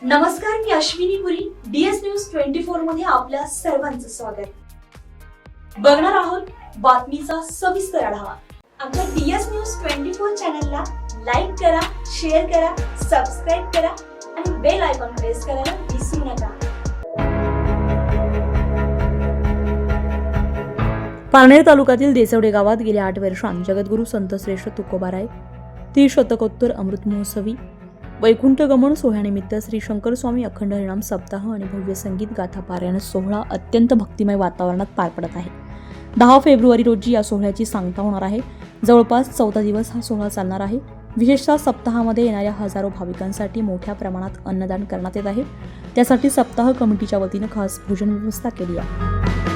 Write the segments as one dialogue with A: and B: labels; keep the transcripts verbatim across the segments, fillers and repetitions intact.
A: नमस्कार, मी Ashwini Puri. DS news twenty four मध्ये आपल्या सर्वांचं स्वागत. बघणार आहोत बातमीचा सविस्तर आढावा. आमच्या डीएस न्यूज ट्वेंटी फोर चॅनलला लाईक करा, शेअर करा, सबस्क्राईब करा आणि बेल आयकॉन प्रेस करायला विसरू नका.
B: पारनेर तालुक्यातील देसवडे गावात गेल्या आठ वर्षांत जगद्गुरू संतश्रेष्ठ तुकोबाराय त्रिशतकोत्तर अमृत महोत्सवी वैकुंठ गमन सोहळ्यानिमित्त श्री शंकर स्वामी अखंड हरिनाम सप्ताह आणि भव्य संगीत गाथा पारायण सोहळा अत्यंत भक्तिमय वातावरणात पार पडत आहे. दहा फेब्रुवारी रोजी या सोहळ्याची सांगता होणार आहे. जवळपास चौदा दिवस हा सोहळा चालणार आहे. विशेषतः सप्ताहामध्ये येणाऱ्या हजारो भाविकांसाठी मोठ्या प्रमाणात अन्नदान करण्यात येत आहे. त्यासाठी सप्ताह कमिटीच्या वतीनं खास भोजन व्यवस्था केली आहे.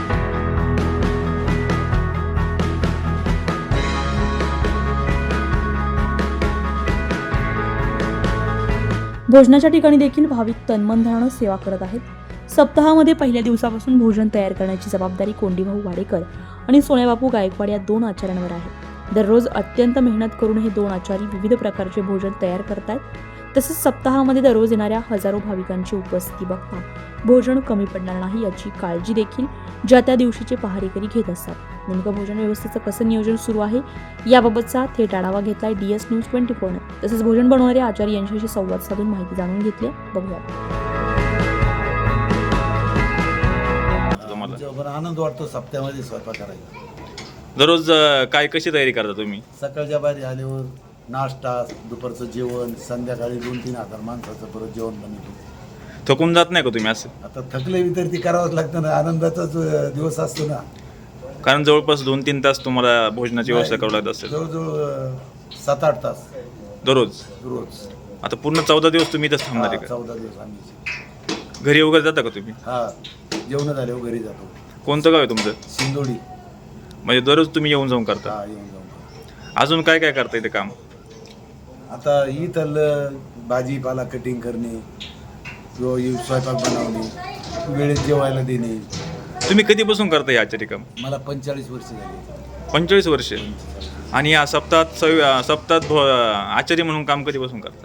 B: भोजनाच्या ठिकाणी देखील भाविक तन्मनधनानं सेवा करत आहेत. सप्ताहामध्ये पहिल्या दिवसापासून भोजन तयार करण्याची जबाबदारी कोंडीभाऊ वाडेकर आणि सोन्याबापू गायकवाड या दोन आचार्यांवर आहे. दररोज अत्यंत मेहनत करून हे दोन आचारी विविध प्रकारचे भोजन तयार करतात. तसेच सप्ताहामध्ये दररोज येणाऱ्या हजारो भाविकांची उपस्थिती बघता भोजन कमी पडणार नाही याची काळजी देखील ज्या त्या दिवशीचे पहारेकरी घेत असतात. नेमकं भोजन व्यवस्थेचं कसं नियोजन सुरू आहे याबाबतचा थेट आढावा घेतलाय डीएस न्यूज ट्वेंटी फोरने. तसेच भोजन बनवणारे आचार्य यांच्याशी संवाद साधून माहिती जाणून घेतली. बघूया.
C: आनंद वाटतो सप्त्यामध्ये स्वयंपाक करायला.
D: दररोज अ, काय कशी तयारी करता तुम्ही?
C: सकाळच्या बाहेर आल्यावर नाश्ता, दुपारचं जेवण, संध्याकाळी दोन तीन हजार माणसाचं परत जेवण बनवतो.
D: थकून जात नाही का तुम्ही असं?
C: आता थकले तर ती करावंच लागतं ना. आनंदाचाच दिवस असतो ना.
D: कारण जवळपास दोन तीन तास तुम्हाला भोजनाची व्यवस्था करावी लागत असेल
C: जवळजवळ अं, सात आठ तास
D: दररोज.
C: रोज.
D: आता पूर्ण चौदा दिवस तुम्ही इथंच थांबणार
C: हा,
D: आहे का?
C: चौदा दिवस आम्ही
D: घरी वगैरे जाता का तुम्ही?
C: हा जेवण झाल्यावर घरी जातो.
D: कोणतं गाव आहे तुमचं?
C: सिंदोडी.
D: म्हणजे दररोज तुम्ही येऊन जाऊन करता?
C: हा येऊन जाऊन.
D: अजून काय काय करता इथे काम?
C: आता इथलं भाजीपाला कटिंग करणे किंवा हे स्वयंपाक बनवणे, वेळेत जेवायला देणे.
D: तुम्ही कधीपासून करता हे आचार्य काम?
C: मला पंचेचाळीस वर्ष झाली.
D: पंचेचाळीस वर्ष. आणि या सप्ताहात सव सप्ताहात भो- आचार्य म्हणून काम कधीपासून करता?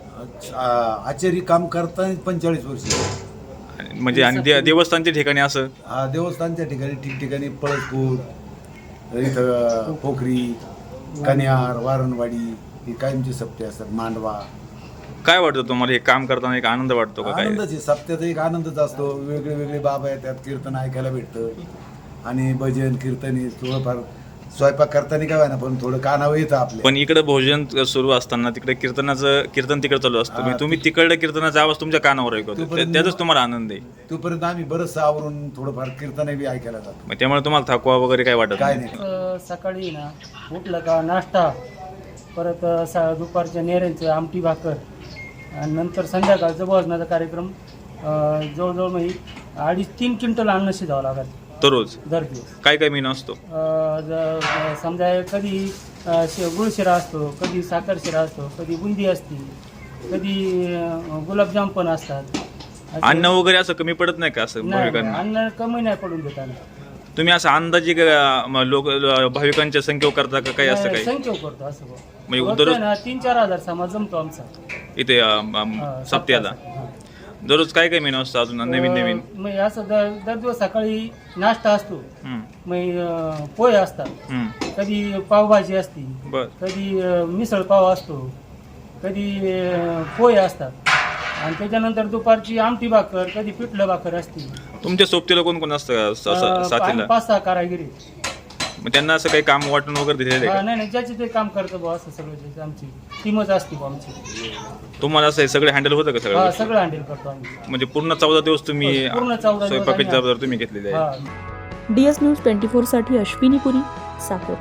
C: आ- आचारी काम करताना पंचेचाळीस वर्ष.
D: आणि म्हणजे आणि दे- देवस्थानच्या ठिकाणी असं?
C: हा देवस्थानच्या ठिकाणी ठिकठिकाणी पळसपूर, इथं पोखरी, कन्यार, वारणवाडी ही कायमची सप्ते असतात. मांडवा.
D: काय वाटतं तुम्हाला हे काम करताना? एक आनंद वाटतो का? काय
C: आनंदाची सप्त्याचा एक आनंदच असतो. वेगळे वेगळे बाबा येतात, कीर्तन ऐकायला भेटतं आणि भजन कीर्तनी थोडंफार स्वयंपाक करताना काय ना पण थोडं कानावर येतं आपल्या.
D: पण इकडे भोजन सुरू असताना तिकडे कीर्तनाचं कीर्तन तिकडे चालू असतं. म्हणजे तुम्ही तिकडे कीर्तनाचा आवाज तुमच्या कानावर ऐकतो.
C: तोपर्यंत-
D: त्यातच तुम्हाला आनंद आहे.
C: तोपर्यंत आम्ही बरंचसं आवरून थोडंफार कीर्तन बी ऐकायला जातो.
D: मग त्यामुळे तुम्हाला थकवा वगैरे काय वाटत
C: काय
D: नाही?
C: नाही.
E: अ, सकाळी ना उठलं का नाश्ता, परत अ, सा दुपारच्या नेऱ्यांचं आमटी भाकर आणि नंतर संध्याकाळचं भोजनाचा कार्यक्रम. अ, जवळजवळ म्हणजे अडीच तीन क्विंटल अन्न शिजावं लागत
D: दररोज
E: दर दिवस.
D: काय काय मेनू असतो?
E: अ, ज- समजा कधी अ, शे गुळ शिरा असतो, कधी साखर शिरा असतो, कधी बुंदी असते, कधी अ, गुलाबजाम पण असतात. असे-
D: अन्न वगैरे असं कमी पडत नाही का असं
E: नाही,
D: भाविकांना?
E: अन्न कमी नाही पडून देत आम्ही.
D: तुम्ही असं अंदाजे का, म, लोक ल- भाविकांच्या संख्येवर करता का काही असं काही?
E: संख्या करतो असं बघ.
D: म्हणजे
E: रोजचं
D: दररोज
E: ना तीन चार हजार समाज जमतो आमचा.
D: इथे अम, अम,
E: हा,
D: सप्त्याला
E: हा.
D: दररोज काय काय मेनू असतो अजून नवीन नवीन?
E: अं, मग असं दर दर दिवस सकाळी नाश्ता असतो.
D: हम्म,
E: मग अं, पोहे असतात.
D: हम्म,
E: कधी पावभाजी असते,
D: बर.
E: कधी अं, मिसळ पाव असतो, कधी अं, पोहे असतात आणि त्याच्यानंतर दुपारची आमटी भाकर, कधी पिठलं भाकर असते.
D: तुमच्या सोबतीला कोण कोण असतं स- स-
E: अं,
D: साथीला?
E: आणि पाच सहा कारागिरी.
D: मग त्यांना असं काही काम वाटून वगैरे दिलेलं आहे
E: हा,
D: का?
E: नाही नाही ज्याचे ते काम करतं बुवा असं सगळं जे आमची टीमच असते बुवा आमची.
D: तुम्हाला असं हे सगळे हँडल होतं का
E: हा,
D: सगळं?
E: सगळं हँडल करतो आम्ही.
D: म्हणजे पूर्ण चौदा दिवस तुम्ही
E: पूर्ण चौदा दिवस
D: स्वयंपाकाची
E: आम्ही-
D: जबाबदारी तुम्ही घेतलेली आहे?
E: हा.
B: डीएस न्यूज ट्वेंटी फोर साठी अश्विनी पुरी, साकोर.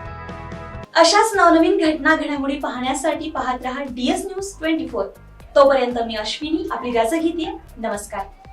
A: अशाच नवनवीन घटना घडामोडी पाहण्यासाठी पाहत रहा डीएस न्यूज ट्वेंटी फोर. तोपर्यंत मी अश्विनी आपली रजा घेते. नमस्कार.